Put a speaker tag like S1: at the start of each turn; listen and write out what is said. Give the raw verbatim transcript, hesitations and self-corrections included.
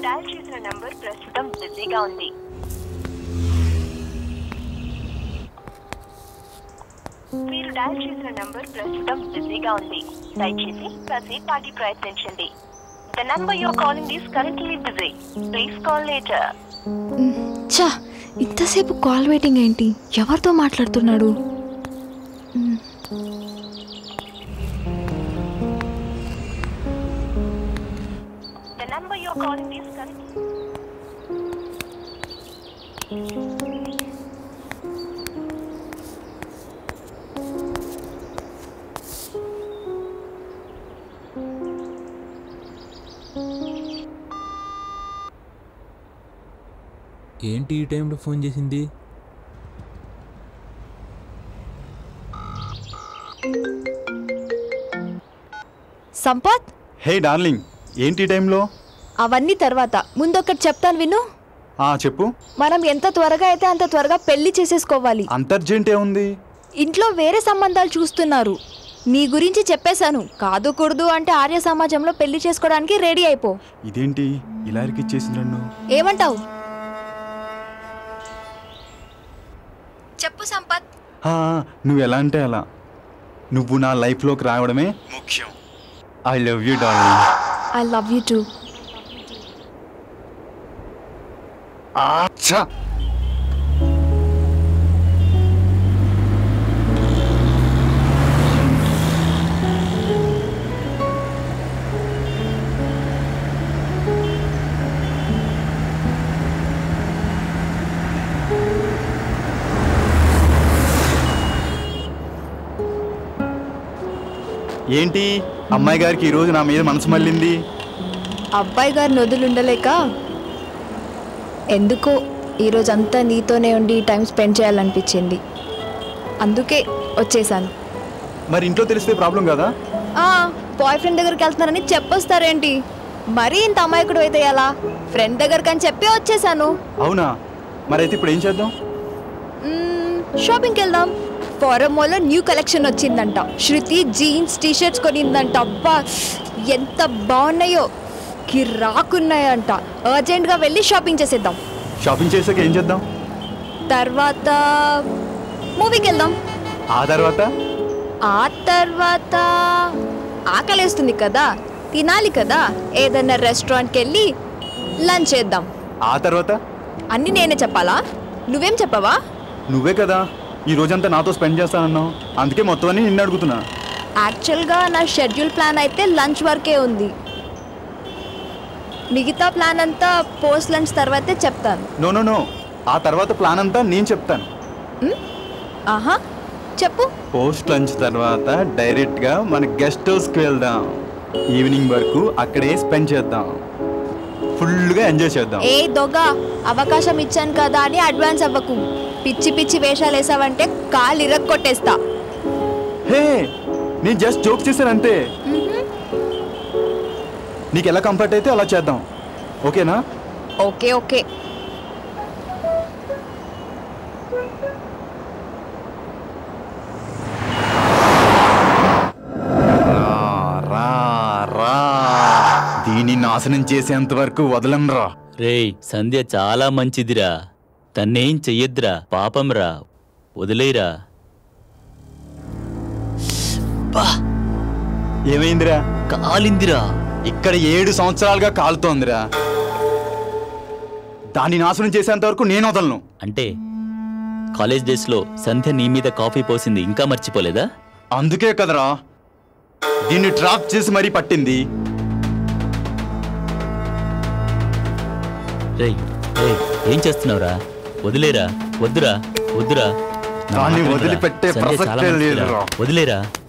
S1: Dial చేసిన number ప్రస్తుతం బిజీగా ఉంది. మీరు డయల్ చేసిన నంబర్ ప్రస్తుతం బిజీగా ఉంది. దయచేసి కాసేపాటి ప్రయత్నించండి. The number you're calling is currently busy. Please call later.
S2: చా, ఇంతసేపు కాల్ వెయిటింగ్ ఏంటి? ఎవరితో మాట్లాడుతున్నాడు?
S1: The number you're calling is currently
S3: ఏంటి ఈ టైంలో ఫోన్ చేసింది?
S2: సంపత్,
S4: హే డార్లింగ్, ఏంటి ఈ టైంలో?
S2: అవన్నీ తర్వాత ముందొకటి చెప్తాను విను.
S4: ఆ చెప్పు.
S2: మనం ఎంత త్వరగా అయితే అంత త్వరగా పెళ్లి చేసేసుకోవాలి.
S4: అంత అర్జెంట్ ఏముంది?
S2: ఇంట్లో వేరే సంబంధాలు చూస్తున్నారు. నీ గురించి చెప్పేశాను. కాదు కూడదు అంటే ఆర్య సమాజంలో పెళ్లి చేసుకోవడానికి రెడీ అయిపో.
S4: ఇదేంటి ఇలా ఇరికిచ్చేసింది నన్ను?
S2: ఏమంటావు? చెప్పు సంపత్.
S4: నువ్వు ఎలా అంటే అలా. నువ్వు నా లైఫ్లోకి రావడమే ముఖ్యం. I love you darling.
S2: I love you too.
S4: అచ్చా, ఏంటి అమ్మాయి గారికి ఈరోజు నా మీద మనసు మళ్ళింది?
S2: అబ్బాయి గారిని వదులుండలేక ఎందుకో ఈరోజంతా నీతోనే ఉండి టైం స్పెండ్ చేయాలనిపించింది. అందుకే వచ్చేసాను.
S4: మరి ఇంట్లో తెలిస్తే ప్రాబ్లం కదా?
S2: బాయ్ ఫ్రెండ్ దగ్గరికి వెళ్తున్నారని చెప్పొస్తారేంటి? మరీ ఇంత అమాయకుడు అయితే ఎలా? ఫ్రెండ్ దగ్గరికి అని చెప్పి వచ్చేసాను.
S4: అవునా? మరి అయితే ఇప్పుడు ఏం చేద్దాం?
S2: షాపింగ్కి వెళ్దాం. ఫారమోలో న్యూ కలెక్షన్ వచ్చిందంట. శృతి జీన్స్ టీ షర్ట్స్ కొనిందంట. అబ్బా ఎంత బాగున్నాయో, కిరాకున్నాయంట. అర్జెంట్గా వెళ్ళి షాపింగ్ చేసేద్దాం.
S4: షాపింగ్ చేసాక ఏం చేద్దాం?
S2: తర్వాత మూవీకి వెళ్దాం.
S4: ఆ తర్వాత
S2: ఆ తర్వాత ఆకలేస్తుంది కదా, తినాలి కదా, ఏదన్నా రెస్టారెంట్కి వెళ్ళి లంచ్ చేద్దాం.
S4: ఆ తర్వాత
S2: అన్నీ నేనే చెప్పాలా? నువ్వేం చెప్పవా?
S4: నువ్వే కదా ఈ రోజంతా నాతో స్పెండ్ చేస్తానన్నావు. అందుకే మొత్తం అన్ని నిన్ను అడుగుతున్నా.
S2: యాక్చువల్గా నా షెడ్యూల్ ప్లాన్ అయితే లంచ్ వరకే ఉంది. మిగతా ప్లాన్ అంతా పోస్ట్ లంచ్ తర్వాతే చెప్తాను.
S4: నో నో నో ఆ తర్వాత ప్లాన్ అంతా నేను చెప్తాను.
S2: ఆహా చెప్పు.
S4: పోస్ట్ లంచ్ తర్వాత డైరెక్ట్గా మన గెస్ట్ హౌస్కి వెళ్దాం. ఈవినింగ్ వరకు అక్కడే స్పెండ్ చేద్దాం. ఫుల్గా ఎంజాయ్ చేద్దాం.
S2: ఏ దొంగ, అవకాశం ఇచ్చాను కదా అని అడ్వాన్స్ అవ్వకు. పిచ్చి పిచ్చి వేషాలు వేసావంటే కాలు ఇరక్కొట్టేస్తా.
S4: హే, నేను జస్ట్ జోక్ చేశానంతే. నీకు ఎలా కంఫర్ట్ అయితే అలా చేద్దాం. ఓకేనా?
S2: Okay okay.
S4: దీన్ని నాశనం చేసేంత వరకు వదలంరా.
S5: రేయ్, సంధ్య చాలా మంచిదిరా. తన్నేం చెయ్యొద్దురా, పాపంరా, వదిలేరా.
S4: ఏమైందిరా?
S5: కాలిందిరా.
S4: ఇక్కడ ఏడు సంవత్సరాలుగా కాలుతోందిరా. దాన్ని నాశనం చేసేంత వరకు నేను వదలను.
S5: అంటే కాలేజ్ డేస్ లో సంధ్య నీ మీద కాఫీ పోసింది ఇంకా మర్చిపోలేదా?
S4: అందుకే కదరా దీన్ని ట్రాప్ చేసి మరీ పట్టింది.
S5: రేయ్ రేయ్, ఏం చేస్తున్నావురా? వదిలేరా, వద్దురా, వద్దురా.
S4: దాన్ని వదిలిపెట్టే ప్రసక్తే లేదురా.
S5: వదిలేరా.